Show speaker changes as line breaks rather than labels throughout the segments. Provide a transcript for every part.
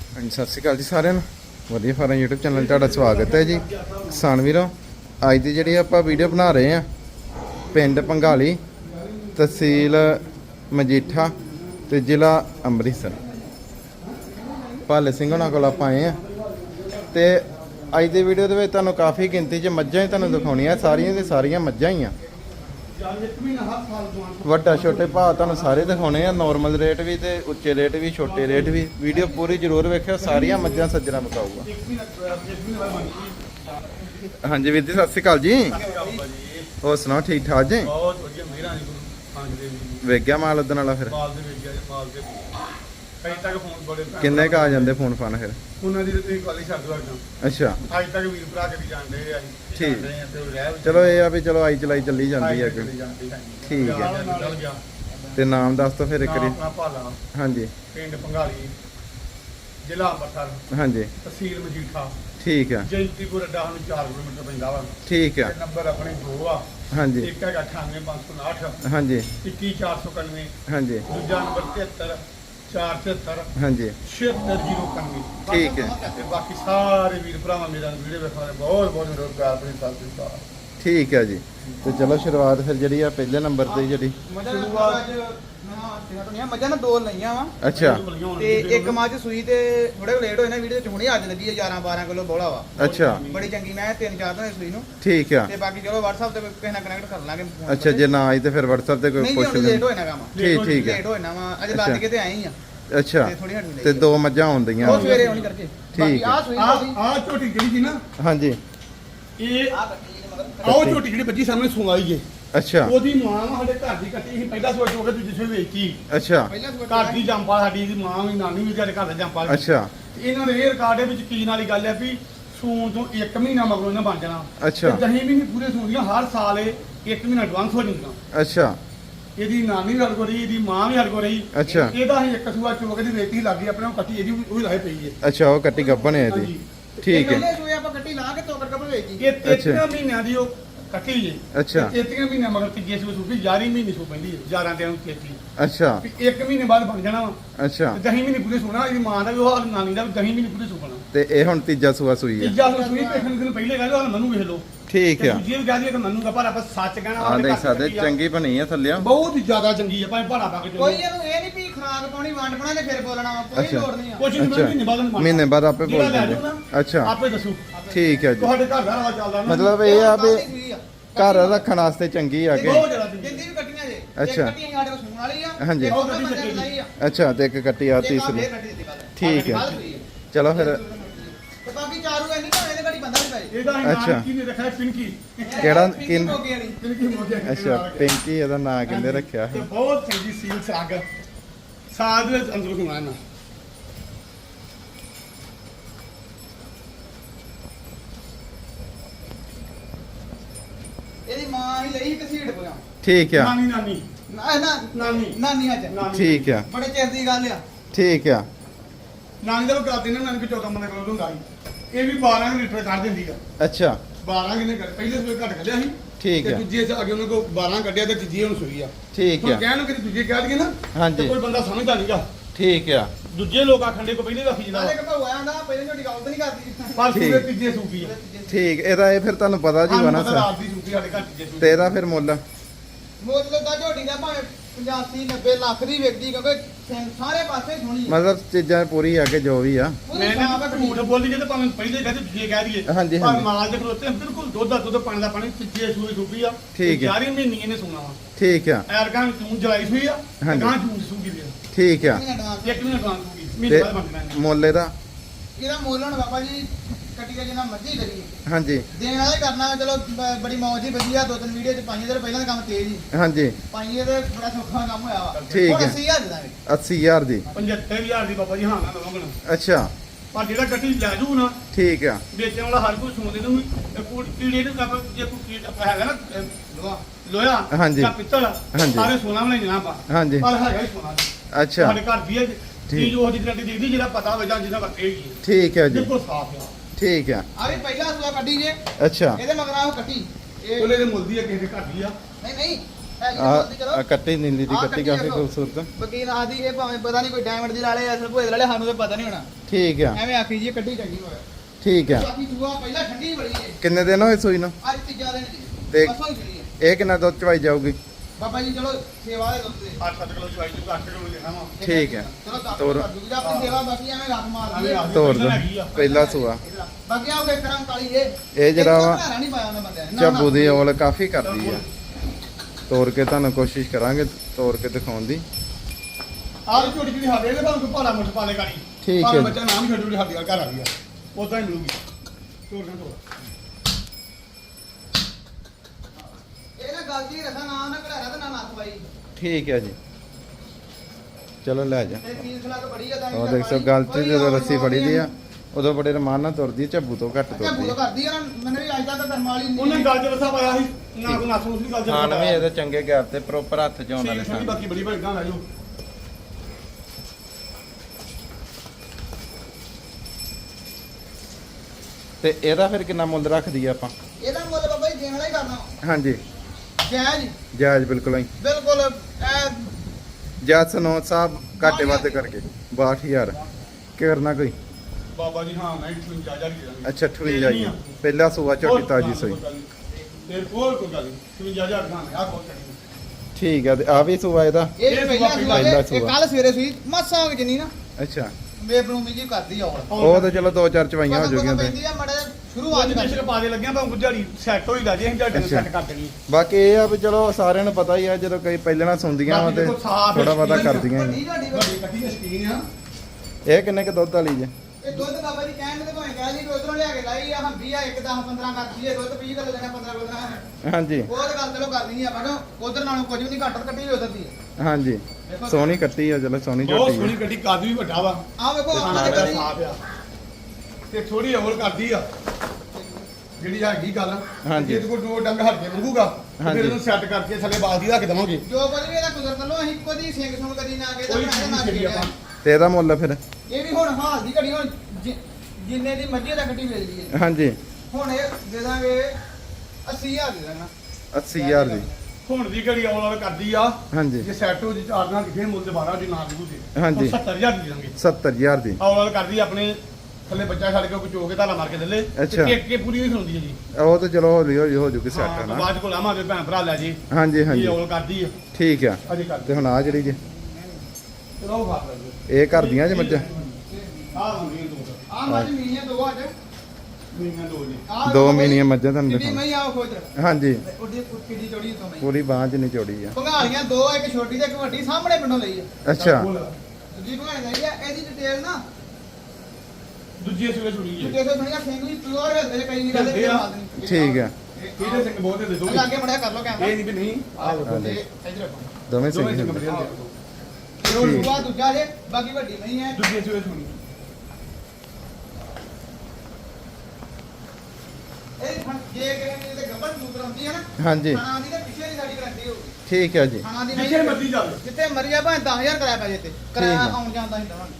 ਹਾਂਜੀ ਸਤਿ ਸ਼੍ਰੀ ਅਕਾਲ ਜੀ ਸਾਰਿਆਂ ਨੂੰ। ਵਧੀਆ ਫਾਰਮ YouTube ਚੈਨਲ ਤੁਹਾਡਾ ਸਵਾਗਤ ਹੈ ਜੀ। ਕਿਸਾਨ ਵੀਰੋ, ਅੱਜ ਦੀ ਜਿਹੜੀ ਆਪਾਂ ਵੀਡੀਓ ਬਣਾ ਰਹੇ ਆ ਪਿੰਡ ਭੰਗਾਲੀ, ਤਹਿਸੀਲ ਮਜੀਠਾ ਤੇ ਜ਼ਿਲ੍ਹਾ ਅੰਮ੍ਰਿਤਸਰ। ਭਾਲੇ ਸਿੰਘ ਹੋਣਾ ਕੋਲ ਆਪਾਂ ਆਏ ਆ ਤੇ ਅੱਜ ਦੀ ਵੀਡੀਓ ਦੇ ਵਿੱਚ ਤੁਹਾਨੂੰ ਕਾਫੀ ਗਿਣਤੀ 'ਚ ਮੱਝਾਂ ਹੀ ਤੁਹਾਨੂੰ ਦਿਖਾਉਣੀਆਂ। ਸਾਰੀਆਂ ਦੇ ਸਾਰੀਆਂ ਮੱਝਾਂ ਹੀ ਆ। ਵੱਡਾ ਛੋਟੇ ਭਾਅ ਤੁਹਾਨੂੰ ਸਾਰੇ ਦਿਖਾਉਣੇ ਆ, ਨੋਰਮਲ ਰੇਟ ਵੀ ਤੇ ਉੱਚੇ ਰੇਟ ਵੀ, ਛੋਟੇ ਰੇਟ ਵੀ। ਵੀਡੀਓ ਪੂਰੀ ਜ਼ਰੂਰ ਵੇਖਿਓ, ਸਾਰੀਆਂ ਮੱਝਾਂ ਸੱਜਣਾ ਬਤਾਊਗਾ। ਹਾਂਜੀ ਵੀਰ ਜੀ ਸਤਿ ਸ਼੍ਰੀ ਅਕਾਲ ਜੀ। ਹੋਰ ਸੁਣਾਓ, ਠੀਕ ਠਾਕ ਜੀ?
ਬਹੁਤ ਵਧੀਆ, ਮੇਰਾ ਜੀ
ਵੇਖ ਗਿਆ ਮਾਲ ਉਦਣ ਵਾਲਾ? ਫਿਰ
ਮਾਲ ਦੇ ਵੇਚ ਗਿਆ ਜੀ, ਮਾਲ ਦੇ ਕਈ ਤੱਕ ਫੋਨ ਬੜੇ
ਕਿੰਨੇ ਕ ਆ ਜਾਂਦੇ ਫੋਨ ਫਾਨ ਫਿਰ?
ਉਹਨਾਂ ਦੀ ਤੇ ਤੁਸੀਂ ਕਾਲੀ ਛੱਡ ਦੋ ਅੱਗਾ।
ਅੱਛਾ
ਅੱਜ ਤੱਕ ਵੀਰ ਭਰਾ ਕਰੀ ਜਾਂਦੇ ਆ ਜੀ।
ਠੀਕ। ਚਲੋ ਇਹ ਆ ਵੀ ਚਲੋ ਆਈ ਚਲਾਈ ਚੱਲੀ ਜਾਂਦੀ ਹੈ ਅੱਗੇ। ਠੀਕ ਹੈ। ਤੇ ਨਾਮ ਦੱਸ ਦੋ ਫਿਰ ਇੱਕ ਵਾਰੀ।
ਆਪਣਾ ਭਾਲਾ,
ਹਾਂਜੀ।
ਪਿੰਡ ਭੰਗਾਲੀ, ਜ਼ਿਲ੍ਹਾ ਅੰਮ੍ਰਿਤਸਰ,
ਹਾਂਜੀ
ਤਹਿਸੀਲ ਮਜੀਠਾ।
ਠੀਕ ਹੈ।
ਜੈਂਤੀਪੁਰ ਅੱਡਾ ਸਾਨੂੰ 4 ਕਿਲੋਮੀਟਰ ਪੈਂਦਾ ਵਾ।
ਠੀਕ ਹੈ।
ਨੰਬਰ ਆਪਣੇ 2 ਆ।
ਹਾਂਜੀ।
ਇੱਕ ਹੈਗਾ 98559,
ਹਾਂਜੀ
21491।
ਹਾਂਜੀ
ਦੂਜਾ ਨੰਬਰ 73474,
ਹਾਂਜੀ
76091।
ਠੀਕ ਹੈ।
ਤੇ ਬਾਕੀ ਸਾਰੇ ਵੀਰ ਭਰਾਵਾਂ ਮੇਰਾ ਵੀਡੀਓ ਵੇਖਣ ਦੇ ਬਹੁਤ ਬਹੁਤ ਮੇਰੇ ਪਿਆਰ ਭਰੀ ਸਤਿ ਸ੍ਰੀ ਅਕਾਲ।
ਠੀਕ ਹੈ ਜੀ। ਤੇ ਚਲੋ ਸ਼ੁਰੂਆਤ ਫਿਰ ਜਿਹੜੀ ਆ ਪਹਿਲੇ ਨੰਬਰ ਤੇ ਜਿਹੜੀ
ਮੱਝਾਂ ਨਾ 2 ਲਈਆਂ ਵਾ।
ਅੱਛਾ।
ਤੇ ਇੱਕ ਮੱਝ ਸੂਈ ਤੇ ਥੋੜੇ ਲੇਟ ਹੋਏ ਨਾ, ਵੀਡੀਓ ਚ ਹੁਣੇ ਅੱਜ ਲੱਗੀ ਹੈ। 11-12 ਕਿਲੋ ਬੋਲਾ ਵਾ।
ਅੱਛਾ।
ਬੜੀ ਚੰਗੀ ਮੈਂ 3-4 ਦਿਨ ਸੂਈ ਨੂੰ।
ਠੀਕ ਆ।
ਤੇ ਬਾਕੀ ਚਲੋ WhatsApp ਤੇ ਕਿਸੇ ਨਾਲ ਕਨੈਕਟ ਕਰ ਲਾਂਗੇ।
ਅੱਛਾ, ਜੇ ਨਾ ਆਈ ਤੇ ਫਿਰ WhatsApp ਤੇ ਕੋਈ
ਨਹੀਂ
ਪੁੱਛ
ਜੀ,
ਲੈ।
ਲੇਟ ਹੋਏ ਨਾ ਕੰਮ।
ਠੀਕ ਠੀਕ ਹੈ।
ਲੇਟ ਹੋਏ ਨਾ ਵਾ, ਅੱਜ ਲੱਗ ਕੇ ਤੇ ਆਏ ਹੀ ਆ।
ਅੱਛਾ।
ਤੇ ਥੋੜੀ ਹਟਣੀ
ਤੇ 2 ਮੱਝਾਂ ਆਉਂਦੀਆਂ।
ਉਹ ਸਵੇਰੇ ਆਉਣੀ ਕਰਕੇ। ਬਾਕੀ ਆ ਸੂਈ
ਆ ਝੋਟੀ ਜਿਹੜੀ ਸੀ ਨਾ,
ਹਾਂਜੀ।
ਇਹ
ਆ ਕੱਟੀ ਜੀ ਮਗਰ।
ਆਹ ਝੋਟੀ ਜਿਹੜੀ ਬੱਜੀ ਸਾਹਮਣੇ ਸੁਣਾਈ ਏ।
ਅੱਛਾ।
ਉਹਦੀ ਮਾਂ ਸਾਡੇ ਘਰ ਦੀ ਕੱਟੀ ਸੀ, ਪਹਿਲਾਂ ਸੋਚ ਹੋ ਕੇ ਦੂਜੀ ਸੋਚ ਵੇਚੀ।
ਅੱਛਾ।
ਪਹਿਲਾਂ ਸੂਈ
ਘਰ ਦੀ ਜੰਪਾ ਸਾਡੀ ਦੀ ਮਾਂ ਵੀ ਨਾਨੀ ਵੀ ਸਾਡੇ ਘਰ ਦਾ ਜੰਪਾ ਸੀ।
ਅੱਛਾ।
ਤੇ ਇਹਨਾਂ ਦੇ ਇਹ ਰਿਕਾਰਡ ਦੇ ਵਿੱਚ ਯਕੀਨ ਵਾਲੀ ਗੱਲ ਹੈ ਵੀ ਸੂਣ ਤੋਂ 1 ਮਹੀਨਾ ਮਗਰੋਂ ਇਹਨਾਂ ਬਣ ਜਾਣਾ।
ਅੱਛਾ।
ਤੇ ਦਹੀਂ ਮਹੀਨੇ ਪੂਰੇ ਸੂਣਦੀਆਂ, ਹਰ ਸਾਲ ਇਹ 1 ਮਹੀਨਾ ਐਡਵਾਂਸ ਹੋ ਜਾਂਦਾ।
ਅੱਛਾ।
ਇਹਦੀ ਨਾਨੀ ਵੀ ਹਰ ਕੋ ਰਹੀ, ਇਹਦੀ ਮਾਂ ਵੀ ਹਰ ਕੋ ਰਹੀ।
ਅੱਛਾ।
ਇਹਦਾ ਹੀ ਇੱਕ ਸੂਆ ਚੋਕ ਦੀ ਵੇਚੀ ਲੱਗੀ ਆਪਣੇ ਉਹ ਕੱਟੀ, ਇਹਦੀ ਉਹ ਲਾਏ ਪਈ ਹੈ।
ਅੱਛਾ, ਉਹ ਕੱਟੀ ਗੱਭਣ ਹੈ ਇਹਦੀ।
ਹਾਂਜੀ।
ਠੀਕ ਹੈ।
ਪਹਿਲੇ ਸੂਈ ਆਪਾਂ ਕੱਟੀ ਲਾ ਕੇ ਤੋਕੜ ਕੱਪ ਵੇਚੀ।
ਇਹ 33 ਮਹੀਨਿਆਂ ਦੀ ਉਹ ਕੱਟੀ ਜੇ।
ਅੱਛਾ।
33 ਮਹੀਨੇ ਮਗਰ ਤੀਜੇ ਸੂਏ ਸੂਪੀ 11 ਮਹੀਨੇ ਸੂ ਪੈਂਦੀ ਹੈ। 11 ਦਿਨ 33
ਅੱਛਾ।
ਵੀ 1 ਮਹੀਨੇ ਬਾਅਦ ਬਣ ਜਾਣਾ ਵਾ।
ਅੱਛਾ।
ਤੇ 10 ਮਹੀਨੇ ਪੂਰੇ ਸੋਣਾ, ਇਹਦੀ ਮਾਂ ਦਾ ਵੀ ਉਹ ਹਾਲ, ਨਾਨੀ ਦਾ ਵੀ 10 ਮਹੀਨੇ ਪੂਰੇ ਸੋਣਾ।
ਤੇ ਇਹ ਹੁਣ ਤੀਜਾ ਸੂਆ ਸੂਈ ਹੈ।
ਤੀਜਾ ਸੂਈ ਦੇਖਣ ਦਿਨ ਪਹਿਲੇ ਕਹਿੰਦੇ ਹਾਲ ਮੈਨੂੰ ਵੇਖ ਲਓ।
ਠੀਕ
ਤੇ
ਆ।
ਦੂਜੀ ਵੀ ਕਹਿੰਦੀ ਕਿ ਮੈਨੂੰ ਦਾ ਪਰ ਆਪਾਂ ਸੱਚ ਕਹਿਣਾ
ਆ ਦੇਖ ਸਕਦੇ, ਚੰਗੀ ਬਣੀ ਆ ਥੱਲੇ।
ਬਹੁਤ ਹੀ ਜ਼ਿਆਦਾ ਚੰਗੀ ਹੈ, ਭਾਵੇਂ ਭਾੜਾ ਪਾ ਕੇ
ਕੋਈ ਇਹਨੂੰ ਇਹ ਨਹੀਂ ਵੀ ਖਰਾਕ ਪਾਉਣੀ, ਵੰਡ ਪਾਉਣਾ ਤੇ ਫਿਰ ਬੋਲਣਾ ਵਾ। ਕੋਈ
ਅੱਛਾ।
ਲੋੜ ਨਹੀਂ ਆ।
ਕੁਝ ਨਹੀਂ ਮਹੀਨੇ ਬਾਅਦ ਉਹਨੂੰ
ਮਹੀਨੇ ਬਾਅਦ ਆਪੇ
ਜਿਹੜਾ
ਬੋਲ
ਲੈ
ਦਿੰਦੇ।
ਜਾਊ ਨਾ,
ਅੱਛਾ।
ਆਪੇ ਦੱਸੂ।
ਠੀਕ ਹੈ ਜੀ।
ਤੁਹਾਡੇ ਘਰ ਦਾ ਰਵਾ ਚੱਲਦਾ ਨਾ।
ਮਤਲਬ ਇਹ ਆ ਵੀ
ਸੂਈ ਆ।
ਘਰ ਰੱਖਣ ਵਾਸਤੇ ਚੰਗੀ ਆ ਕੇ।
ਬਹੁਤ ਜ਼ਿਆਦਾ ਚੰਗੀ।
ਜਿੰਦੀ ਵੀ ਕੱਟੀਆਂ ਜੇ।
ਅੱਛਾ।
ਇੱਕ ਕੱਟੀ ਸਾਡੇ ਕੋਲ ਸੂਣ ਵਾਲੀ ਆ।
ਹਾਂਜੀ।
ਇੱਕ ਉਹਨਾਂ ਬੰਦੇ ਨੇ ਲਾਈ ਆ।
ਅੱਛਾ, ਤੇ ਇੱਕ ਕੱਟੀ ਆ
ਇੱਕ ਆਹ
ਤੀਸਰੀ।
ਫੇਰ ਕੱਟੀ ਦਿੱਤੀ ਕੱਲ।
ਠੀਕ
ਕੱਲ
ਹੈ।
ਸੂਈ ਆ।
ਚਲੋ ਫਿਰ
ਤੇ ਬਾਕੀ ਚਾਰੂ ਐ ਨਹੀਂ ਭਾਵੇਂ ਇਹਦੇ ਘੜੀ ਬੰਦਾ ਵੀ ਪਏ।
ਇਹਦਾ ਹੀ
ਅੱਛਾ।
ਨਾਮ ਕੀ ਨੇ ਰੱਖਿਆ? ਪਿੰਕੀ।
ਕਿਹੜਾ
ਪਿੰਕੀ
ਕਿੰਨ?
ਮੋਗੇ ਵਾਲੀ।
ਪਿੰਕੀ ਮੋਜਾ।
ਅੱਛਾ, ਪਿੰਕੀ ਇਹਦਾ ਨਾਂ ਕਿੰਨੇ ਰੱਖਿਆ
ਤੇ
ਹੈ?
ਬਹੁਤ ਚੰਗੀ ਸੀਲ ਸਾਗ। ਸਾਗ ਦੇ ਅੰਦਰ ਘੁਮਾਇਆ ਨਾ।
ਇਹਦੀ ਮਾਂ ਹੀ ਲਈ ਕਸੀੜ ਕੋਲ।
ਠੀਕ ਆ।
ਨਾਨੀ ਨਾਨੀ
ਨਾਨੀ
ਨਾਨੀ
ਹੱਜ।
ਨਾਨੀ।
ਠੀਕ ਆ।
ਬੜੇ ਚਿਰ ਦੀ ਗੱਲ ਆ।
ਠੀਕ ਆ।
ਨਾਨੀ ਦਾ ਕਰ ਦਿੰਦੇ, ਨਾਨੀ ਕੋ 14 ਬੰਦੇ ਕੋਲ ਹੁੰਦਾ ਸੀ। ਇਹ ਵੀ 12 ਲੀਟਰ ਕੱਢ ਦਿੰਦੀ ਆ।
ਅੱਛਾ।
12 ਕਿੰਨੇ ਕੱਢ, ਪਹਿਲੇ ਸੂਏ ਘੱਟ ਕੱਢਿਆ ਸੀ।
ਠੀਕ
ਤੇ
ਹੈ।
ਦੂਜੇ ਚ ਅੱਗੇ ਉਹਨਾਂ ਕੋ 12 ਕੱਢਿਆ ਤੇ ਤੀਜੀ ਹੁਣ ਸੂਈ ਆ।
ਠੀਕ
ਹੁਣ
ਆ।
ਕਹਿਣ ਨੂੰ ਕਿ ਦੂਜੇ ਕਹਿ ਦਈਏ ਨਾ,
ਹਾਂਜੀ।
ਤੇ ਕੋਈ ਬੰਦਾ ਸਮਝਦਾ ਨਹੀਂਗਾ।
ਠੀਕ ਆ।
ਦੂਜੇ ਲੋਕ ਆਖੰਡੇ ਕੋ ਪਹਿਲੇ ਰੱਖੀ
ਨਾਲੇ
ਜਾਂਦਾ,
ਕਿ ਭਉਆ ਆਂਦਾ ਪਹਿਲੇ ਝੋਟੀ ਗੱਲ ਤਾਂ ਨਹੀਂ ਕਰਦੀ।
ਪਰ
ਠੀਕ।
ਸੂਏ ਤੀਜੇ ਸੂਪੀ ਆ।
ਠੀਕ, ਇਹਦਾ ਇਹ ਫਿਰ ਤੁਹਾਨੂੰ ਪਤਾ ਜੀ ਵਾ ਨਾ ਸਰ।
ਰਾਤ ਦੀ ਸੂਪੀ ਸਾਡੇ ਘਰ ਤੀਜੇ ਸੂਪੀ।
ਤੇ ਇਹਦਾ ਫਿਰ ਮੁੱਲ?
ਮਤਲਬ ਦਾ ਝੋਟੀ ਦਾ ਭਾਵੇਂ 85-90 ਲੱਖ ਦੀ ਵਿਕਦੀ, ਕਿਉਂਕਿ ਸਾਰੇ ਪਾਸੇ ਸੋਹਣੀ ਆ।
ਮਤਲਬ ਚੀਜ਼ਾਂ ਪੂਰੀ ਆ ਕੇ ਜੋ ਵੀ ਆ।
ਪੂਰੀ
ਮੈਂ
ਸਾਫ਼
ਨਾ
ਆ
ਝੂਠ ਬੋਲੀ ਜੇ ਤੇ ਭਾਵੇਂ ਪਹਿਲੇ ਕਹਦੇ ਦੂਜੇ ਕਹਿ ਦਈਏ।
ਹਾਂਜੀ,
ਪਰ
ਹਾਂਜੀ।
ਮਾਲ ਦੇ ਖਲੋਤੇ ਬਿਲਕੁਲ ਦੁੱਧ ਪਾਣੀ ਦਾ ਪਾਣੀ ਤੀਜੇ ਸੂਏ ਸੂਪੀ ਆ।
ਠੀਕ ਹੈ।
11 ਮਹੀਨੇ ਇਹਨੇ ਸੋਣਾ ਵਾ।
ਠੀਕ ਆ।
ਐਰਕਾਂ ਜੂਨ ਜੁਲਾਈ ਸੂਈ ਆ।
ਹਾਂਜੀ।
ਗਾਂ ਜੂਨ ਸੂਗੀ ਦੇ।
ਠੀਕ ਆ।
ਇੱਕ ਮਹੀਨਾ ਗਾਂ ਸੂਗੀ, ਮਹੀਨੇ
ਤੇ
ਬਾਅਦ ਮੰਗਣਾ।
ਮੁੱਲ ਇਹਦਾ?
ਇਹਦਾ ਮੁੱਲ ਹੁਣ ਬਾਬਾ ਜੀ ਕੱਟੀ ਦਾ ਜਿੰਨਾ ਮਰਜ਼ੀ ਕਰੀਏ,
ਹਾਂਜੀ।
ਦੇਣ ਵਾਲੇ ਕਰਨਾ। ਚਲੋ ਬੜੀ ਮੌਜ ਹੀ ਵਧੀਆ। 2-3 ਵੀਡੀਓ ਚ ਪਾਈਏ ਤੇ ਪਹਿਲਾਂ ਦਾ ਕੰਮ ਤੇਜ਼ ਹੀ
ਹਾਂਜੀ।
ਪਾਈਏ ਤੇ ਬੜਾ ਸੌਖਾ ਕੰਮ ਹੋਇਆ ਵਾ।
ਠੀਕ
ਹੁਣ
ਹੈ।
80,000 ਦੇ ਦਾਂਗੇ।
80,000 ਦੀ?
75,000 ਦੀ ਬਾਬਾ ਜੀ ਹਾਂ ਨਾ ਦਵਾਂਗਾ।
ਅੱਛਾ।
ਪਰ ਜਿਹੜਾ ਗੱਡੀ ਲੈ ਜੂ ਨਾ,
ਠੀਕ ਆ।
ਵੇਚਣ ਵਾਲਾ ਹਰ ਕੋਈ ਸੁਣਦੇ ਨੂੰ ਕੀੜੇ ਨੂੰ ਆਪਾਂ ਜੇ ਕੋਈ ਕੀੜਾ ਹੈਗਾ ਨਾ ਲੋਹਾ
ਹਾਂਜੀ।
ਜਾਂ ਪਿੱਤਲ,
ਹਾਂਜੀ।
ਸਾਰੇ ਸੋਨਾ ਬਣਾਈਆਂ ਆਪਾਂ।
ਹਾਂਜੀ।
ਪਰ ਹੈਗਾ ਹੀ ਸੋਨਾ।
ਅੱਛਾ।
ਸਾਡੇ ਘਰ ਦੀ ਹੈ ਚੀਜ਼ ਉਹ ਜਿਹੀ ਗੱਡੀ ਦੇਖਦੀ ਜਿਹੜਾ ਪਤਾ ਹੋਵੇ ਜਾਂ ਜਿਹਦਾ ਵਰਤੇਗੀ।
ਠੀਕ ਹੈ ਜੀ।
ਬਿਲਕੁਲ ਸਾਫ਼ ਆ।
ਠੀਕ ਆ।
ਆ ਵੀ ਪਹਿਲਾ ਸੂਆ ਕੱਢੀ ਜੇ।
ਅੱਛਾ।
ਇਹਦੇ ਮਗਰ ਆਹ ਕੱਟੀ ਇਹ
ਉਹਲੇ ਦੇ ਮੁੱਲ ਦੀ ਹੈ, ਕਿਸੇ ਦੇ ਘਰ ਦੀ ਆ।
ਨਹੀਂ ਹੈ ਜੀ
ਆ
ਜਲਦੀ ਕਰੋ
ਆ ਕੱਟੀ ਨੀਲੀ ਦੀ
ਆਹ
ਕੱਟੀ
ਕੱਟੀ
ਕਾਫੀ
ਦੇਖੋ।
ਖੂਬਸੂਰਤ
ਵਕੀਲ ਆਦੀ ਇਹ ਭਾਵੇਂ ਪਤਾ ਨਹੀਂ ਕੋਈ ਡਾਇਮੰਡ ਦੀ ਲਾਲੇ ਅਸਲ ਭੋਏ ਲਾਲੇ ਸਾਨੂੰ ਤਾਂ ਪਤਾ ਨਹੀਂ ਹੋਣਾ
ਠੀਕ ਆ
ਐਵੇਂ ਆਖੀ ਜੀ ਕੱਢੀ ਚੰਗੀ ਹੋਇਆ
ਠੀਕ ਆ
ਬਾਕੀ ਸੂਆ ਪਹਿਲਾਂ ਠੰਡੀ ਬੜੀ ਹੈ
ਕਿੰਨੇ ਦਿਨ ਹੋਏ ਸੂਈ ਨੂੰ
ਅੱਜ ਤੀਜਾ ਦਿਨ ਜੀ
ਤੇ-
ਪਰਸੋਂ ਹੀ ਚਲੀ ਹੈ
ਇਹ ਕਿੰਨਾ ਦੁੱਧ ਚਵਾਈ ਜਾਊਗੀ
ਬਾਬਾ ਜੀ ਚਲੋ ਸੇਵਾ ਦੇ ਦੁੱਧ ਦੇ
8-7 ਕਿਲੋ ਚਵਾਈ ਤੇ 8 ਕਿਲੋ ਲੈਣਾ ਵਾ
ਠੀਕ ਹੈ
ਚਲੋ ਦੱਸ
ਤੋਰ।
ਕਰ ਦੂਗੀ ਆਪਣੀ ਸੇਵਾ ਬਾਕੀ ਐਵੇਂ ਰੱਖ ਮਾਰਦੀ ਹੈ
ਤੋਰ ਦੋ ਪਹਿਲਾ ਸੂਆ
ਬਾਕੀ ਆਓ ਕੇ ਕਰਮ ਕਾਲੀ ਇਹ
ਇਹ ਜਿਹੜਾ ਵਾ
ਨਹੀਂ ਪਾਇਆ ਉਹਨਾਂ ਬੰਦਿਆਂ ਨੇ ਨਾ, ਨਾ।
ਝੱਬੂ ਦੀ ਔਲ ਕਾਫੀ ਕਰਦੀ ਆ ਤੋੜ ਕੇ ਤੁਹਾਨੂੰ ਕੋਸ਼ਿਸ਼ ਕਰਾਂਗੇ ਤੋੜ ਕੇ ਦਿਖਾਉਣ ਦੀ
ਆਹ ਛੋਟੀ ਜਿਹੀ ਸਾਡੇ ਇਹਦੇ ਭਾਵੇਂ ਕੋਈ ਭਾਲਾ ਮੁੱਠ ਪਾਲੇ ਗਾੜੀ
ਠੀਕ ਹੈ।
ਭਾਵੇਂ ਬੱਚਾ ਨਾਮ ਛੋਟੀ ਜਿਹੀ ਸਾਡੀ ਘਰ ਆ ਗਈ ਆ ਉਦਾਂ ਹੀ ਮਿਲੂਗੀ ਤੋੜ ਨਾ ਤੋੜ
ਇਹ ਨਾ ਗਲਤੀ ਰਸਾ ਨਾ ਘੜਾਰਾ ਤੇ ਨਾ ਨੱਥ ਬਾਈ
ਠੀਕ ਹੈ ਜੀ ਚਲੋ ਲੈ ਜਾ
ਤੇ ਫੀਸ ਲੱਗ ਬੜੀ ਆ ਤਾਂ
ਉਹ ਦੇਖ ਸੋ ਗਲਤੀ ਜਦੋਂ ਰੱਸੀ ਫੜੀ ਦੀ ਆ ਉਦੋਂ ਬੜੇ ਰਮਾਨ ਨਾਲ ਤੁਰਦੀ ਆ, ਝੱਬੂ ਤੋਂ ਘੱਟ
ਅੱਛਾ
ਤੁਰਦੀ
ਬੂਲੋ
ਆ।
ਕਰਦੀ ਆ ਨਾ ਮੈਨੂੰ ਵੀ ਅੱਜ ਤੱਕ ਦਰਮਾਲੀ
ਉਹਨੇ ਗੱਲ ਚ ਰਸਾ ਪਾਇਆ ਸੀ ਨਾ ਕੋਈ ਨਾਸ ਨੂੰ ਗੱਲ ਚ
ਖਾਣ ਵੀ ਇਹਦੇ ਚੰਗੇ ਗੈਪ ਤੇ ਪ੍ਰੋਪਰ ਹੱਥ ਚ ਆਉਂਦਾ
ਠੀਕ ਹੈ
ਨਿਸ਼ਾਨ
ਬਾਕੀ ਬੜੀ ਭਾਈ ਗਾਂ ਲੈ ਜਾਓ
ਤੇ ਇਹਦਾ ਫਿਰ ਕਿੰਨਾ ਮੁੱਲ ਰੱਖਦੀ ਆ ਆਪਾਂ
ਇਹਦਾ ਮੁੱਲ ਬਾਬਾ ਜੀ ਦੇਣ ਵਾਲਾ ਹੀ ਕਰਨਾ
ਹਾਂਜੀ
ਜਾਇਜ਼
ਜਾਇਜ਼ ਬਿਲਕੁਲ ਹੀ
ਬਿਲਕੁਲ ਐ
ਜੱਜ ਸਨੋਦ ਸਾਹਿਬ ਘਾਟੇ ਵਾਧੇ ਕਰਕੇ 62000 ਕਰਨਾ ਕੋਈ
ਬਾਬਾ ਜੀ ਹਾਂ ਮੈਂ 58000 ਦੀ ਦਾਂਗੇ
ਅੱਛਾ 58 ਜੀ ਪਹਿਲਾ ਸੂਆ ਝੋਟੀ ਤਾਜੀ ਸੋਈ
ਤੇ ਹੋਰ ਕੋਈ ਗੱਲ ਨਹੀਂ 58000 ਖਾਂ ਆ ਕੋਲ ਚੜੀ
ਠੀਕ ਆ ਤੇ ਆ ਵੀ ਸੂਆ ਇਹਦਾ
ਇਹ
ਇਹ
ਪਹਿਲਾ
ਸੂਆ
ਸੂਆ
ਪਹਿਲਾ
ਇਹ
ਸੂਆ।
ਕੱਲ ਸਵੇਰੇ ਸੂਈ ਮੱਸਾ ਕਿ ਨਹੀਂ ਨਾ
ਅੱਛਾ
ਬੇਬਰੂਮੀ ਜੀ ਕਰਦੀ ਆ
ਉਹ ਤਾਂ ਚਲੋ 2-4 ਚਵਾਈਆਂ ਹੋ ਜੂਗੀਆਂ ਤੇ
ਪੈਂਦੀ ਆ ਮੜਾ ਸ਼ੁਰੂ
ਅੱਜ
ਅੱਜ
ਪਿਛਲੇ ਪਾ ਦੇ ਲੱਗਿਆ ਭਾਵੇਂ ਗੁੱਜਾੜੀ ਸੈੱਟ ਹੋਈ ਲੱਜੇ ਅਸੀਂ ਝਾੜੇ
ਅੱਛਾ।
ਸੈੱਟ ਕਰ ਦੇਣੀ
ਬਾਕੀ ਇਹ ਆ ਵੀ ਚਲੋ ਸਾਰਿਆਂ ਨੂੰ ਪਤਾ ਹੀ ਆ ਜਦੋਂ ਕਈ ਪਹਿਲਾਂ ਸੁਣਦੀਆਂ ਵਾ ਤੇ
ਬਾਕੀ ਦੇਖੋ ਸਾਫ਼
ਥੋੜਾ ਬਹੁਤਾ
experience
ਕਰਦੀਆਂ
ਵੱਡੀ
ਹੀ
ਝਾੜੀ
ਵੱਡੀ ਕੱਟੀ ਦੀ ਸਕੀਨ ਆ
ਇਹ ਕਿੰਨੇ ਕ ਦੁੱਧ ਵਾਲੀ ਜੇ
ਇਹ ਦੁੱਧ ਬਾਬਾ ਜੀ ਕਹਿਣ ਦੇ ਭਾਵੇਂ ਕਹਿ ਲਈ ਕਿ ਉਧਰੋਂ ਲਿਆ ਕੇ ਲਾਈ ਆ ਹੰਬੀ ਆ 1 10 15 ਕਰਦੀ ਹੈ ਦੁੱਧ 20 ਕਿਲੋ ਲੈਣਾ 15 ਕਿਲੋ
ਹਾਂਜੀ
ਉਹ ਤਾਂ ਗੱਲ ਚਲੋ ਕਰਨੀ ਨਹੀਂ ਆਪਾਂ ਕਿ ਉਧਰ ਨਾਲੋਂ ਕੁਝ ਵੀ ਨਹੀਂ ਘੱਟ ਕੱਟੀ ਹੋਈ ਉਧਰ ਦੀ
ਹਾਂਜੀ ਸੋਹਣੀ ਕੱਟੀ ਆ ਚਲੋ ਸੋਹਣੀ
ਬਹੁਤ
ਝੋਟੀ
ਸੋਹਣੀ
ਆ
ਗੱਡੀ ਕੱਦ ਵੀ ਵੱਡਾ ਵਾ
ਆਹ ਵੇਖੋ
ਤੇ
ਆਪਾਂ
ਖਾਣਾ
ਦੇ
ਦਾ
ਕਦੀ
ਸਾਫ ਆ ਤੇ ਥੋੜੀ ਹੋਰ ਕਰਦੀ ਆ ਜਿਹੜੀ ਹੈਗੀ ਗੱਲ
ਹਾਂਜੀ।
ਜੇ ਕੋਈ ਦੋ ਡੰਗ ਹਟ ਕੇ ਮੰਗੂਗਾ ਤੇ
ਹਾਂਜੀ।
ਫਿਰ ਇਹਨੂੰ ਸੈੱਟ ਕਰਕੇ ਥੱਲੇ ਬਾਲਦੀ ਰੱਖ ਦੇਵਾਂਗੇ
ਜੋ ਕੁਝ ਵੀ ਇਹਦਾ ਕੁਦਰਤ ਵੱਲੋਂ ਅਸੀਂ ਕਦੀ ਸਿੰਘ ਸੁਣ ਕਦੀ ਨਾ ਕੇ
ਕੋਈ
ਤਾਂ
ਚੀਜ਼
ਨਾ
ਨਹੀਂ ਛੱਡੀ ਆਪਾਂ
ਤੇ ਇਹਦਾ ਮੁੱਲ ਫਿਰ
ਇਹ ਵੀ ਹੁਣ ਹਾਲ ਦੀ ਘੜੀ ਹੁਣ ਜਿੰਨੇ ਦੀ ਮਰਜ਼ੀ ਦਾ ਗੱਡੀ ਮਿਲਦੀ ਹੈ
ਹਾਂਜੀ
ਹੁਣ ਇਹ ਦੇ ਦਾਂਗੇ 80000 ਦੇ ਦਾਂਗਾ
80000 ਦੀ
ਹੁਣ ਦੀ ਘੜੀ ਆਉਣ ਵਾਲਾ ਕਰਦੀ ਆ
ਹਾਂਜੀ
ਜੇ ਸੈੱਟ ਹੋ ਜੇ ਚਾਰ ਨਾਲ ਕਿਥੇ ਮੁੱਲ ਤੇ 12 ਦੀ ਨਾ ਲੱਗੂ ਤੇ
ਹਾਂਜੀ।
70000 ਦੀ ਦੇਵਾਂਗੇ
70000 ਦੀ
ਆਉਣ ਵਾਲਾ ਕਰਦੀ ਆਪਣੇ ਥੱਲੇ ਬੱਚਾ ਛੱਡ ਕੇ ਕੋਈ ਚੋ ਕੇ ਧਾਲਾ ਮਾਰ ਕੇ ਥੱਲੇ
ਅੱਛਾ।
ਕੇ ਪੂਰੀ ਨਹੀਂ ਹੁੰਦੀ ਜੀ
ਉਹ ਤਾਂ ਚਲੋ ਹੌਲੀ ਹੌਲੀ ਹੋ ਜੂਗੀ
ਹਾਂ,
ਸੈੱਟ
ਤੇ
ਨਾ
ਬਾਅਦ ਕੋਲ ਆਵਾਂਗੇ ਭੈਣ ਭਰਾ ਲੈ ਜੀ
ਹਾਂਜੀ
ਇਹ
ਹਾਂਜੀ
ਆਉਣ ਕਰਦੀ ਆ
ਠੀਕ ਆ
ਅਜੇ ਕਰ
ਤੇ ਹੁਣ ਆ ਜਿਹੜੀ ਜੇ
ਚਲੋ ਉਹ ਫਾਟ ਲੱਗੇ
ਇਹ ਕਰਦੀਆਂ ਜੇ ਮੱਝਾਂ
ਆਹ ਹੁੰਦੀਆਂ ਦੋ
ਆਹ ਮੱਝ ਮੀਆਂ ਦੋ ਅੱਜ
ਮਹੀਨਾ ਦੋ ਜੀ
ਆਹ
ਦੋ
ਵੇਖੋ
ਮਹੀਨੀਆਂ ਮੱਝਾਂ ਤੁਹਾਨੂੰ
ਕਿੱਡੀ
ਦਿਖਾਉਂ
ਮਈ ਆਓ ਖੋਜ
ਹਾਂਜੀ
ਉਹਦੀ ਕਿੱਡੀ ਚੌੜੀ ਤੋਂ ਮਈ
ਪੂਰੀ ਬਾਂਹ ਚ ਨਹੀਂ ਚੌੜੀ ਆ
ਭੰਗਾਲੀਆਂ ਦੋ ਆ, ਇੱਕ ਛੋਟੀ ਤੇ ਇੱਕ ਵੱਡੀ ਸਾਹਮਣੇ ਪਿੰਡੋਂ ਲਈ ਆ
ਅੱਛਾ
ਦੂਜੀ ਭੰਗਾਲੀ ਲਈ ਆ ਇਹਦੀ ਡਿਟੇਲ ਨਾ
ਦੂਜੀ ਸਵੇਰੇ ਛੁੜੀ ਜੀ
ਦੂਜੇ ਤੋਂ ਸੁਣੀਆ ਸਿੰਘ ਵੀ ਪਿਓਰ ਹੈ ਤੇ ਕਈ ਗੱਲ
ਹਿਲਦੇ ਆ।
ਠੀਕ
ਠੀਕ ਆ
ਇਹਦੇ ਸਿੰਘ ਬਹੁਤ ਦੇ ਦੋ
ਲਾਗੇ ਮੜਿਆ ਕਰ ਲੋ ਕੈਮਰਾ
ਇਹ ਨਹੀਂ ਵੀ ਨਹੀਂ ਆਹ ਦੇਖੋ
ਹਾਂਜੀ।
ਤੇ ਇੱਧਰ ਰੱਖੋ
ਦੋਵੇਂ
ਦੋਵੇਂ
ਸਿੰਘ
ਸਿੰਘ
ਹੁੰਦੇ।
ਬੜੇ ਹੁੰਦੇ
ਇਹ ਉਹ
ਠੀਕ।
ਸੁਬਾ ਦੂਜਾ ਜੇ ਬਾਕੀ ਵੱਡੀ ਨਹੀਂ ਹੈ
ਦੂਜੀ ਸਵੇਰੇ ਛੁੜੀ
ਇਹ ਜੇ ਕਿਹਨੇ ਤੇ ਗੱਬਰ ਸੂਤਰ ਹੁੰਦੀ ਹੈ ਨਾ
ਹਾਂਜੀ
ਖਾਣਾ ਦੀ ਤੇ ਪਿੱਛੇ ਦੀ ਸਾਡੀ ਗਰੰਟੀ ਹੋਊਗੀ
ਠੀਕ ਹੈ ਜੀ
ਖਾਣਾ ਦੀ
ਜਿੱਥੇ ਮਰਜ਼ੀ ਜਾਵੇ
ਜਿੱਥੇ ਮਰੀਆ ਭਾਵੇਂ 10000 ਕਰਾਇਆ ਪੈ ਜੇ ਤੇ ਕਿਰਾਇਆ
ਠੀਕ ਆ।
ਆਉਣ ਜਾਂਦਾ ਹੀ ਦਵਾਂਗੇ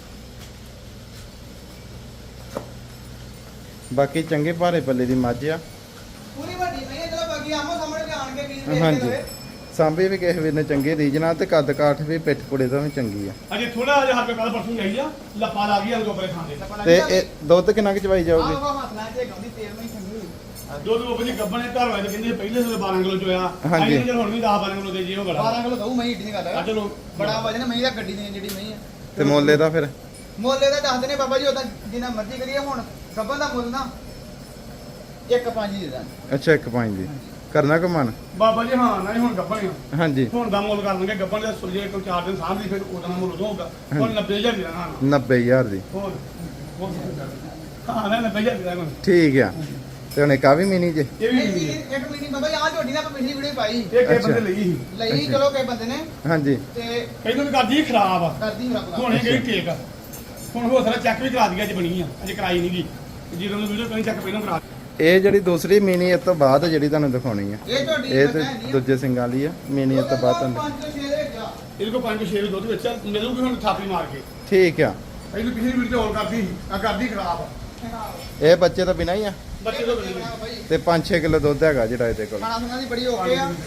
ਬਾਕੀ ਚੰਗੇ ਭਾਰੇ ਪੱਲੇ ਦੀ ਮੱਝ ਆ
ਪੂਰੀ ਵੱਡੀ ਨਹੀਂ ਹੈ ਚਲੋ ਬਾਕੀ ਆਮੋ ਸਾਹਮਣੇ ਜਾਣ ਕੇ ਵੀਰ ਵੇਖ
ਹਾਂਜੀ।
ਕੇ ਲਵੇ
ਸਾਂਭੇ ਵੀ ਕਿਸੇ ਵੀਰ ਨੇ ਚੰਗੇ ਰੀਜਨਾਂ ਤੇ ਕੱਦ ਕਾਠ ਵੀ ਪਿੱਠ ਪੁੜੇ ਦਾ ਵੀ ਚੰਗੀ ਆ
ਅਜੇ ਥੋੜਾ ਜਿਹਾ ਹੱਥ ਕੱਲ ਪਰਸੋਂ ਜਾਈ ਆ ਲੱਪਾ ਲਾ ਗਈ ਅੰਗੋ ਪਰੇ ਖਾਂਦੇ
ਤੇ ਇਹ ਦੁੱਧ ਕਿੰਨਾ ਕੁ ਚਵਾਈ ਜਾਊਗੀ
ਆਹ ਹੱਥ ਲਾ ਕੇ ਗਾਉਂਦੀ ਤੇਲ ਨਹੀਂ ਸੰਗੀ
ਦੁੱਧ ਉਹ ਬਜੀ ਗੱਬਣ ਘਰ ਵਾਲੇ ਤਾਂ ਕਹਿੰਦੇ ਪਹਿਲੇ ਸਵੇਰੇ 12 ਕਿਲੋ ਚੋਇਆ
ਹਾਂਜੀ।
ਅਸੀਂ ਹੁਣ ਵੀ 10 12 ਕਿਲੋ ਦੇ ਜੀ ਉਹ ਬੜਾ
12 ਕਿਲੋ ਦਊ ਮਹੀਂ ਢੀ ਗੱਲ
ਆ
ਹੈ
ਚਲੋ
ਬੜਾ ਵਜਨ ਮਹੀਂ ਦਾ ਗੱਡੀ ਦੀ ਜਿਹੜੀ ਮਹੀਂ ਆ
ਤੇ ਮੁੱਲ ਇਹਦਾ ਫਿਰ
ਮੁੱਲ ਦਾ ਦੱਸਦੇ ਨੇ ਬਾਬਾ ਜੀ ਉਹਦਾ ਜਿੰਨਾ ਮਰਜ਼ੀ ਕਰੀਏ ਹੁਣ ਗੱਬਨ ਦਾ ਮੁੱਲ ਨਾ 1.5 ਦੇ ਦਾਂਗੇ
ਅੱਛਾ 1.5 ਦੀ ਕਰਨਾ ਕੋ ਮਨ
ਬਾਬਾ ਜੀ ਹਾਂ ਨਹੀਂ ਹੁਣ ਗੱਬਣ ਆ
ਹਾਂਜੀ
ਹੁਣ ਦਾ ਮੁੱਲ ਕਰ ਲਾਂਗੇ ਗੱਬਣ ਦੇ ਸੁਲਝੇ ਕੋਈ 4 ਦਿਨ ਸਾਂਭ ਲਈ ਫਿਰ ਉਹਦਾ ਮੁੱਲ ਉਦੋਂ ਹੋਊਗਾ ਹੁਣ 90000 ਦੀ ਰਹਿਣਾ
90000 ਦੀ
ਹੋਰ ਹਾਂ ਨਾ 90000 ਦੀ ਰਹਿਣਾ
ਠੀਕ ਆ ਤੇ ਹੁਣ ਇੱਕ ਆ ਵੀ ਮਿਨੀ ਜੇ
ਇਹ ਵੀ ਨਹੀਂ
ਇੱਕ ਮਹੀਨੇ ਬਾਬਾ ਜੀ ਆਹ ਝੋਟੀ ਨਾ ਆਪਾਂ ਪਿਛਲੀ ਵੀਡੀਓ ਪਾਈ
ਇਹ ਕਿਸੇ
ਅੱਛਾ।
ਬੰਦੇ ਲਈ ਸੀ
ਲਈ
ਅੱਛਾ।
ਚਲੋ ਕਈ ਬੰਦੇ ਨੇ
ਹਾਂਜੀ
ਤੇ
ਕਹਿੰਦੇ ਵੀ ਕਰਦੀ ਖਰਾਬ ਆ
ਕਰਦੀ ਰੱਬ
ਹੁਣ ਇਹ ਗਈ ਠੀਕ ਆ ਹੁਣ ਹੋ ਸਕਦਾ ਚੈੱਕ ਵੀ ਕਰਾ ਦਈਏ ਅੱਜ ਬਣੀ ਆ ਅਜੇ ਕਰਾਈ ਨਹੀਂ ਗਈ ਜਦੋਂ ਨੂੰ ਵੀਡੀਓ ਕੋਈ ਚੈੱਕ ਪਹਿਲਾਂ ਕਰਾ
ਇਹ ਜਿਹੜੀ ਦੂਸਰੀ ਮਿਨੀ ਇਸ ਤੋਂ ਬਾਅਦ ਜਿਹੜੀ ਤੁਹਾਨੂੰ ਦਿਖਾਉਣੀ ਆ
ਇਹ ਝੋਟੀ
ਇਹ ਤੇ ਦੂਜੇ ਸਿੰਘਾਂ ਵਾਲੀ ਆ ਮਿਨੀ ਇਸ ਤੋਂ ਬਾਅਦ ਤੁਹਾਨੂੰ
5 ਤੋਂ 6 ਦੇ ਵਿੱਚ ਆ
ਇਹਦੇ ਕੋਲ 5-6 ਦੁੱਧ ਵਿੱਚ ਆ, ਮਿਲੂਗੀ ਹੁਣ ਥਾਪੀ ਮਾਰ ਕੇ
ਠੀਕ ਆ
ਇਹਨੂੰ ਪਿਛਲੀ ਵੀਡੀਓ ਹੋਰ ਕਰਦੀ ਸੀ ਆ ਕਰਦੀ ਖਰਾਬ ਆ
ਇਹ ਬੱਚੇ ਤਾਂ ਬਿਨਾਂ ਹੀ ਆ
ਬੱਚੇ ਤੋਂ ਮਿਲੂਗੀ
ਤੇ 5-6 ਕਿਲੋ ਦੁੱਧ ਹੈਗਾ ਜਿਹੜਾ ਇਹਦੇ ਕੋਲ
ਖਾਣਾ ਸੁਣਾ ਦੀ ਬੜੀ ਓਕੇ ਆ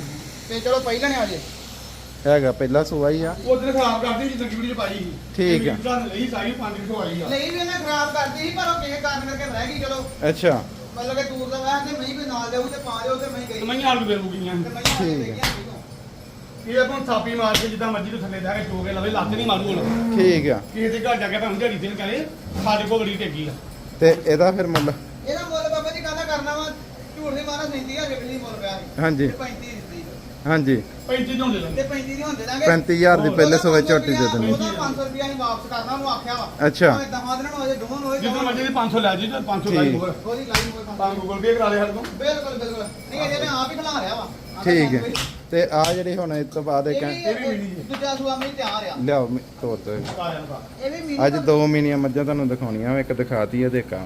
ਤੇ ਚਲੋ ਪਹਿਲਾਂ ਨੇ ਆ ਜੇ
ਹੈਗਾ ਪਹਿਲਾ ਸੂਆ ਹੀ ਆ
ਉਹ ਦਿਨ ਖਰਾਬ ਕਰਦੀ ਸੀ ਤੰਗੀ ਵੀਡੀਓ ਪਾਈ ਸੀ
ਠੀਕ ਆ।
ਗੱਲ ਲਈ ਸਾਰੀ 5 ਕਿਲੋ ਆਈ ਆ
ਨਹੀਂ ਵੀ ਇਹਨੇ ਖਰਾਬ ਕਰਦੀ ਸੀ ਪਰ ਉਹ ਕਿਸੇ ਕਾਰਨ ਕਰਕੇ ਰਹਿ ਗਈ ਚਲੋ
ਅੱਛਾ
ਮਤਲਬ ਕਿ ਦੂਰ ਦਾ ਵਾਹ ਤੇ ਮਈ ਵੀ ਨਾਲ ਜਾਊ ਤੇ ਪਾ ਲਿਓ ਤੇ ਮਈ ਗਈ
ਮੈਂ ਆਲੂ ਬੇਰੂ ਗਈਆਂ
ਤੇ ਮਈ
ਠੀਕ ਹੈ।
ਇਹ ਆਪਾਂ ਥਾਪੀ ਮਾਰ ਕੇ ਜਿੱਦਾਂ ਮਰਜ਼ੀ ਤੋਂ ਥੱਲੇ ਜਾ ਕੇ ਚੋ ਕੇ ਲਵੇ ਲੱਤ ਨਹੀਂ ਮਾਰੂ ਹੁਣ
ਠੀਕ ਆ
ਕਿਸੇ ਦੇ ਘਰ ਜਾ ਕੇ ਭਾਵੇਂ ਦਿਹਾੜੀ ਦਿਨ ਕਰੇ ਸਾਡੇ ਕੋਲ ਬੜੀ ਟੇਗੀ ਆ
ਤੇ ਇਹਦਾ ਫਿਰ ਮੁੱਲ
ਇਹਦਾ ਮੁੱਲ ਬਾਬਾ ਜੀ ਕਾਹਦਾ ਕਰਨਾ ਵਾ ਝੂਠ ਨਹੀਂ ਮਾਰਾ 30000 ਰੁਪਏ ਮੁੱਲ ਪਿਆ ਸੀ
ਹਾਂਜੀ
ਤੇ 35 ਦਿੱਤੀ
ਹਾਂਜੀ
35 ਝੋਂਦੇ
ਤੇ
ਲੈਂਦੇ
35 ਦੀ ਹੁੰਦੇ ਦਾਂਗੇ
35000 ਦੀ ਪਹਿਲੇ ਸੂਏ ਝੋਟੀ ਦੇ ਦਿੰਦੇ
ਉਹਦਾ 500 ਰੁਪਏ ਅਸੀਂ ਵਾਪਸ ਕਰਨਾ ਉਹਨੂੰ ਆਖਿਆ ਵਾ
ਅੱਛਾ।
ਭਾਵੇਂ ਦਹਾਂ ਦਿਨਾਂ ਨੂੰ ਹੋਏ ਦੋਵਾਂ ਨੂੰ ਹੋਏ
ਜਿੱਦਾਂ ਮਰਜ਼ੀ ਦੀ 500 ਲੈ ਜੀ ਤੇ 500 ਲਾਈ
ਠੀਕ।
ਹੋਰ
ਉਹਦੀ ਲਾਈਨ ਹੋਏ
ਤਾਂ ਗੂਗਲ ਪੇ ਕਰਾ ਲਿਆ ਸਾਡੇ ਤੋਂ
ਬਿਲਕੁਲ ਬਿਲਕੁਲ ਨਹੀਂ ਇਹਦੇ ਮੈਂ ਆਪ ਹੀ ਖਿਲਾ ਰਿਹਾ ਵਾ
ਠੀਕ ਹੈ ਤੇ ਆ ਜਿਹੜੀ ਹੁਣ ਇਸ ਤੋਂ ਬਾਅਦ ਇੱਕ
ਇਹ ਵੀ ਦੂਜਾ ਸੂਆ ਮੈਂ ਤਿਆਰ ਆ
ਲਿਆਓ ਤੋਰ ਤੇ
ਆ ਜਾਂਦਾ
ਇਹ ਵੀ ਮੀਨੀ
ਅੱਜ ਦੋ ਮੀਨੀਆਂ ਮੱਝਾਂ ਤੁਹਾਨੂੰ ਦਿਖਾਉਣੀਆਂ ਇੱਕ ਦਿਖਾਤੀ ਹੈ ਤੇ ਇੱਕ ਆ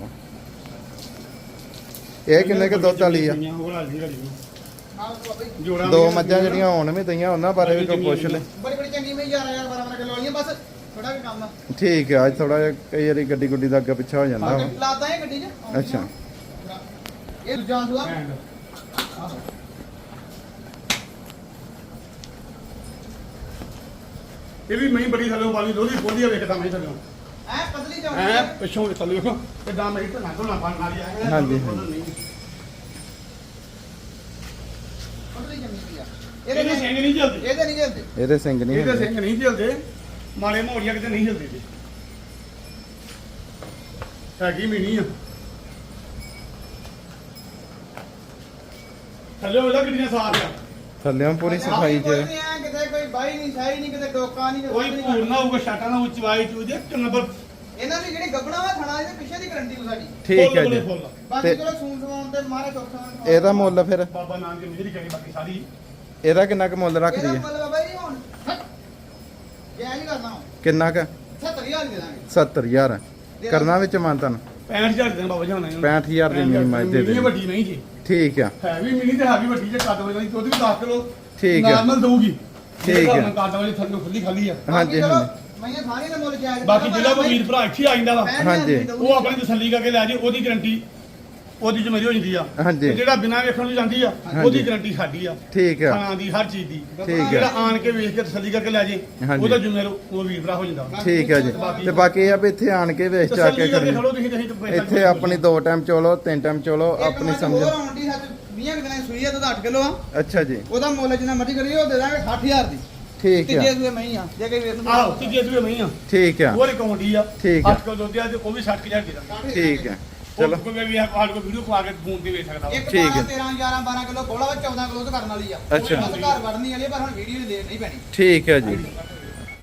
ਇਹ ਕਿੰਨੇ ਕੁ ਦੁੱਧ ਵਾਲੀ ਆ
ਹੋਰ ਆ ਜੀ
ਹਾਂ ਬਾਬਾ ਜੀ
ਜੋੜਾ
ਦੋ ਮੱਝਾਂ ਜਿਹੜੀਆਂ ਹੁਣ ਵੀ ਦਈਆਂ ਉਹਨਾਂ ਬਾਰੇ ਵੀ ਕੋਈ ਪੁੱਛ ਲੈ
ਬੜੀ ਬੜੀ ਚੰਗੀ ਮੈਂ 11 12 ਕਿਲੋ ਵਾਲੀਆਂ ਬਸ ਥੋੜਾ ਜਿਹਾ ਕੰਮ ਆ
ਠੀਕ ਹੈ ਅੱਜ ਥੋੜਾ ਜਿਹਾ ਕਈ ਵਾਰੀ ਗੱਡੀ ਗੁੱਡੀ ਦਾ ਅੱਗੇ ਪਿੱਛਾ ਹੋ ਜਾਂਦਾ ਵਾ
ਲਾਦਾ ਇਹ ਗੱਡੀ 'ਚ
ਅੱਛਾ
ਇਹ ਦੂਜਾ ਸੂਆ
ਇਹ ਵੀ ਮੈਂ ਬੜੀ ਥੱਲੇ ਵਾਲੀ ਲੋਹੀ ਬੋਲੀ ਵੇਖਦਾ ਮੈਂ ਥੱਲੇ
ਐ ਪਤਲੀ ਚੌੜੀ
ਐ ਪਿੱਛੋਂ ਥੱਲੇ ਵੇਖੋ ਕਿਦਾਂ ਮੇਰੀ ਧਨਾ ਧੋਣਾ ਪਾਣ ਵਾਲੀ ਆ
ਹਾਂਜੀ,
ਪਤਲੀ ਜੰਮੀ ਪਈ ਆ
ਇਹਦੇ ਸਿੰਘ ਨਹੀਂ ਚੱਲਦੇ
ਇਹਦੇ ਨਹੀਂ ਜਲਦੀ
ਇਹਦੇ ਸਿੰਘ ਨਹੀਂ
ਇਹਦੇ
ਹੁੰਦੇ
ਸਿੰਘ ਨਹੀਂ ਚੱਲਦੇ ਮਾੜੇ ਮੋੜੀਆਂ ਕਿਤੇ ਨਹੀਂ ਚੱਲਦੇ ਜੀ ਹੈਗੀ ਮੀਨੀ ਆ ਥੱਲੇ ਉਹਦਾ ਕਿੰਨੀਆਂ ਸਾਫ ਆ
ਥੱਲਿਓਂ ਪੂਰੀ ਸਫਾਈ
ਕੋਈ
ਚ
ਨਹੀਂ ਆ ਕਿਤੇ ਕੋਈ ਬਾਈ ਨਹੀਂ ਸਾਈ ਨਹੀਂ ਕਿਤੇ ਡੋਕਾ ਨਹੀਂ
ਕੋਈ ਭੂਰ ਨਾ ਹੋਊਗਾ ਛਾਟਾ ਨਾ ਉਚਵਾਈ ਚੂਜੇ ਇੱਕ ਨੰਬਰ
ਇਹਨਾਂ ਦੀ ਜਿਹੜੀ ਗੱਬਣਾ ਵਾ ਥਣਾ ਇਹਦੇ ਪਿੱਛੇ ਦੀ ਗਰੰਟੀ ਸਾਡੀ
ਠੀਕ ਹੈ ਜੀ
ਬਾਕੀ
ਤੇ-
ਚਲੋ ਸੂਨ ਸਵਾਉਣ ਤੇ ਮਾਰੇ ਚੌਥਾ
ਇਹਦਾ ਮੁੱਲ ਫਿਰ
ਬਾਬਾ ਨਾਨਕ ਦੀ ਮਿਹਰ ਕਰੀ ਬਾਕੀ ਸਾਰੀ
ਇਹਦਾ ਕਿੰਨਾ ਕੁ ਮੁੱਲ ਰੱਖਦੀ
ਇਹਦਾ
ਹੈ
ਮੁੱਲ ਬਾਬਾ ਜੀ ਹੁਣ ਜੈ ਨਹੀਂ ਕਰਨਾ
ਕਿੰਨਾ ਕੁ
70000 ਦੇ ਦਾਂਗੇ
70000 ਕਰਨਾ ਵਿੱਚ ਮਾਨਤਨ
65000 ਦੇ ਬਾਬਾ ਜਾਨਾ
65000 ਦੀ ਮਿਨੀ ਮੱਝ ਦੇ ਦੇ
ਵੱਡੀ ਨਹੀਂ ਜੀ
ਠੀਕ ਆ
ਹੈ ਵੀ ਮਿਨੀ ਤੇ ਹੈ ਵੀ ਵੱਡੀ ਜੇ ਕੱਦ ਵਾਲੀ ਦੁੱਧ ਵੀ 10 ਕਿਲੋ
ਠੀਕ ਹੈ।
ਨਾਰਮਲ ਦਊਗੀ
ਠੀਕ ਹੈ।
ਕੱਦ ਵਾਲੀ ਥੱਲੇ ਖੁੱਲੀ ਖਾਲੀ ਆ
ਹਾਂਜੀ,
ਮੈਂ ਸਾਰੀ ਦਾ ਮੁੱਲ ਜਾਇਜ਼
ਬਾਕੀ ਜਿਹੜਾ ਕੋਈ ਵੀਰ ਭਰਾ ਇੱਥੇ ਆ ਜਾਂਦਾ ਵਾ
ਹਾਂਜੀ।
ਉਹ ਆਪਣੀ ਤਸੱਲੀ ਕਰਕੇ ਲੈ ਜੇ ਉਹਦੀ ਗਰੰਟੀ ਉਹਦੀ ਜ਼ਿੰਮੇਵਾਰੀ ਹੋ ਜਾਂਦੀ ਆ
ਹਾਂਜੀ।
ਤੇ ਜਿਹੜਾ ਬਿਨਾਂ ਵੇਖਣ ਨੂੰ ਜਾਂਦੀ ਆ ਉਹਦੀ ਗਰੰਟੀ ਸਾਡੀ ਆ
ਠੀਕ ਆ
ਖਾਣਾ ਦੀ ਹਰ ਚੀਜ਼ ਦੀ
ਠੀਕ ਹੈ।
ਜਿਹੜਾ ਆਣ ਕੇ ਵੇਖ ਕੇ ਤਸੱਲੀ ਕਰਕੇ ਲੈ ਜੇ
ਹਾਂਜੀ।
ਉਹਦਾ ਜ਼ਿੰਮੇਵਾਰ ਉਹ ਵੀਰ ਭਰਾ ਹੋ ਜਾਂਦਾ
ਠੀਕ ਹੈ ਜੀ ਤੇ ਬਾਕੀ ਇਹ ਆ ਵੀ ਇੱਥੇ ਆਣ ਕੇ ਵੇਚ ਚਾ ਕੇ
ਤਸੱਲੀ ਕਰਕੇ
ਖੜੀ
ਖੜੋ ਤੁਸੀਂ ਤੇ ਪੈਸਾ
ਇੱਥੇ ਆਪਣੀ 2 ਟਾਈਮ ਚੋਲੋ 3 ਟਾਈਮ ਚੋਲੋ ਆਪਣੀ ਸਮਝ
ਹੋਰ ਆਉਣ ਦੀ ਸੱਚ 20 ਦਿਨਾਂ ਦੀ ਸੂਈ ਆ ਤਾਂ 8 ਕਿਲੋ ਆ
ਅੱਛਾ ਜੀ
ਉਹਦਾ ਮੁੱਲ ਜਿੰਨਾ ਮਰਜ਼ੀ ਕਰੀਏ ਉਹ ਦੇ ਦਾਂਗੇ 60000 ਦੀ
ਠੀਕ
ਤੀਜੇ
ਆ
ਸੂਏ ਮੈਂ ਹੀ ਆ ਜੇ ਕੋਈ ਵੀਰ ਨੂੰ
ਆਹੋ ਤੀਜੇ ਸੂਏ ਨਹੀਂ ਆ
ਠੀਕ ਆ
ਹੋਰ ਅਕਾਊਂਟ ਹੀ ਆ
ਠੀਕ ਆ।
8 ਕਿਲੋ ਦੁੱਧ ਆ ਤੇ ਉਹ ਵੀ 60000 ਦੇ ਦਾਂਗੇ
ਠੀਕ ਆ
ਚਲੋ
ਚਲੋ
ਕੋਈ ਵੀ ਆੜ ਕੋ ਵੀਡੀਓ ਪਾ ਕੇ ਫੋਨ ਤੇ ਵੇਖ ਸਕਦਾ ਵਾ।
ਇੱਕ
ਠੀਕ ਹੈ।
13 11 12 ਕਿਲੋ ਬੋਲਾ ਵਾ 14 ਕਿਲੋ ਤੋਂ ਕਰਨ ਵਾਲੀ ਆ
ਅੱਛਾ।
ਬਸ ਘਰ ਵੜਨੀ ਵਾਲੀ ਆ, ਪਰ ਹੁਣ ਵੀਡੀਓ ਨਹੀਂ ਪੈਣੀ
ਠੀਕ ਹੈ ਜੀ